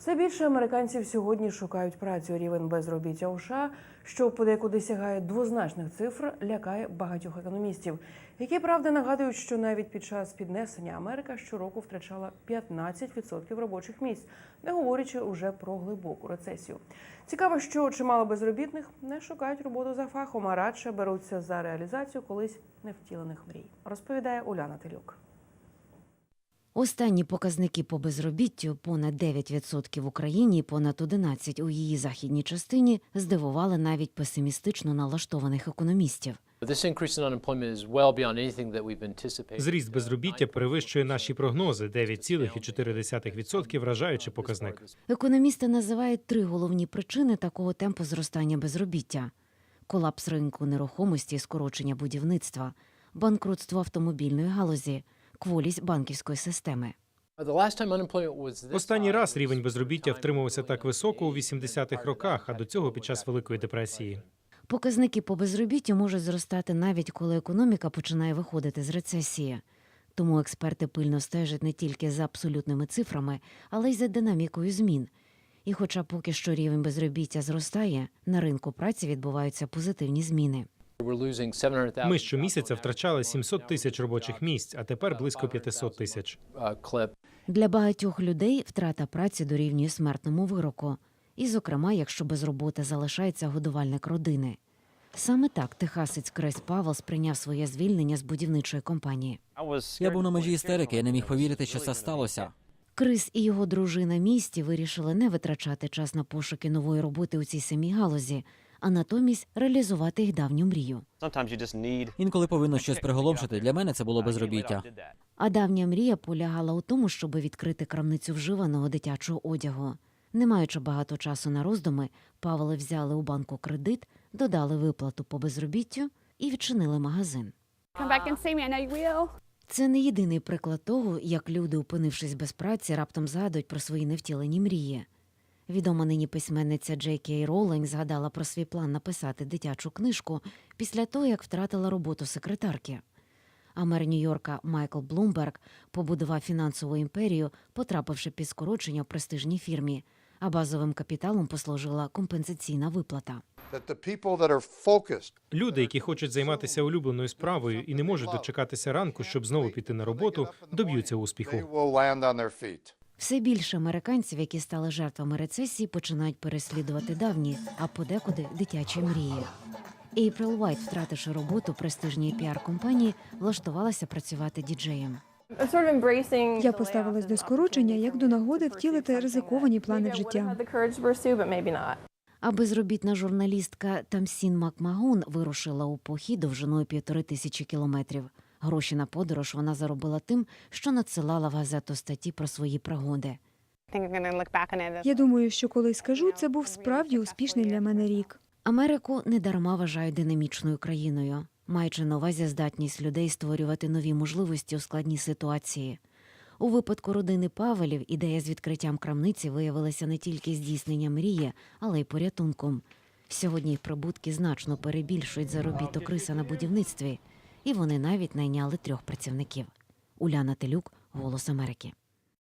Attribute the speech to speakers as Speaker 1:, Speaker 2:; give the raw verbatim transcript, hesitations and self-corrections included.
Speaker 1: Все більше американців сьогодні шукають працю. Рівень безробіття у США, що подекуди сягає двозначних цифр, лякає багатьох економістів, які, правда, нагадують, що навіть під час піднесення Америка щороку втрачала п'ятнадцять відсотків робочих місць, не говорячи уже про глибоку рецесію. Цікаво, що чимало безробітних не шукають роботу за фахом, а радше беруться за реалізацію колись невтілених мрій, розповідає Уляна Телюк.
Speaker 2: Останні показники по безробіттю – понад дев'ять відсотків в Україні і понад одинадцять відсотків у її західній частині – здивували навіть песимістично налаштованих економістів.
Speaker 3: Зріст безробіття перевищує наші прогнози – дев'ять цілих чотири десятих відсотка, вражаючий показник.
Speaker 2: Економісти називають три головні причини такого темпу зростання безробіття – колапс ринку нерухомості і скорочення будівництва, банкрутство автомобільної галузі, кволість банківської системи.
Speaker 3: Останній раз рівень безробіття втримувався так високо у вісімдесятих роках, а до цього під час Великої депресії.
Speaker 2: Показники по безробіттю можуть зростати навіть коли економіка починає виходити з рецесії. Тому експерти пильно стежать не тільки за абсолютними цифрами, але й за динамікою змін. І хоча поки що рівень безробіття зростає, на ринку праці відбуваються позитивні зміни.
Speaker 3: Ми щомісяця втрачали сімсот тисяч робочих місць, а тепер близько п'ятсот тисяч.
Speaker 2: Для багатьох людей втрата праці дорівнює смертному вироку. І, зокрема, якщо без роботи залишається годувальник родини. Саме так техасець Крис Павел сприйняв своє звільнення з будівничої компанії.
Speaker 4: Я був на межі істерики, я не міг повірити, що це сталося.
Speaker 2: Крис і його дружина Місті вирішили не витрачати час на пошуки нової роботи у цій самій галузі, а натомість реалізувати їх давню мрію.
Speaker 4: Інколи повинно щось приголомшити. Для мене це було безробіття.
Speaker 2: А давня мрія полягала у тому, щоб відкрити крамницю вживаного дитячого одягу. Не маючи багато часу на роздуми, Павли взяли у банку кредит, додали виплату по безробіттю і відчинили магазин. Це не єдиний приклад того, як люди, опинившись без праці, раптом згадують про свої невтілені мрії. Відома нині письменниця Джей Кей Роулінг згадала про свій план написати дитячу книжку після того, як втратила роботу секретарки. А мер Нью-Йорка Майкл Блумберг побудував фінансову імперію, потрапивши під скорочення в престижній фірмі, а базовим капіталом послужила компенсаційна виплата.
Speaker 3: Люди, які хочуть займатися улюбленою справою і не можуть дочекатися ранку, щоб знову піти на роботу, доб'ються успіху.
Speaker 2: Все більше американців, які стали жертвами рецесії, починають переслідувати давні, а подекуди дитячі мрії. Ейприл Уайт, втративши роботу в престижній піар-компанії, влаштувалася працювати діджеєм.
Speaker 5: Я поставилась до скорочення, як до нагоди втілити ризиковані плани в життя.
Speaker 2: А безробітна журналістка Тамсін Макмагон вирушила у похід довжиною півтори тисячі кілометрів. Гроші на подорож вона заробила тим, що надсилала в газету статті про свої пригоди.
Speaker 5: Я думаю, що коли скажу, це був справді успішний для мене рік.
Speaker 2: Америку недарма вважають динамічною країною, маючи на увазі здатність людей створювати нові можливості у складній ситуації. У випадку родини Павелів ідея з відкриттям крамниці виявилася не тільки здійсненням мрії, але й порятунком. Сьогодні їх прибутки значно перебільшують заробіток Криса на будівництві, і вони навіть найняли трьох працівників. Уляна Телюк, «Голос Америки».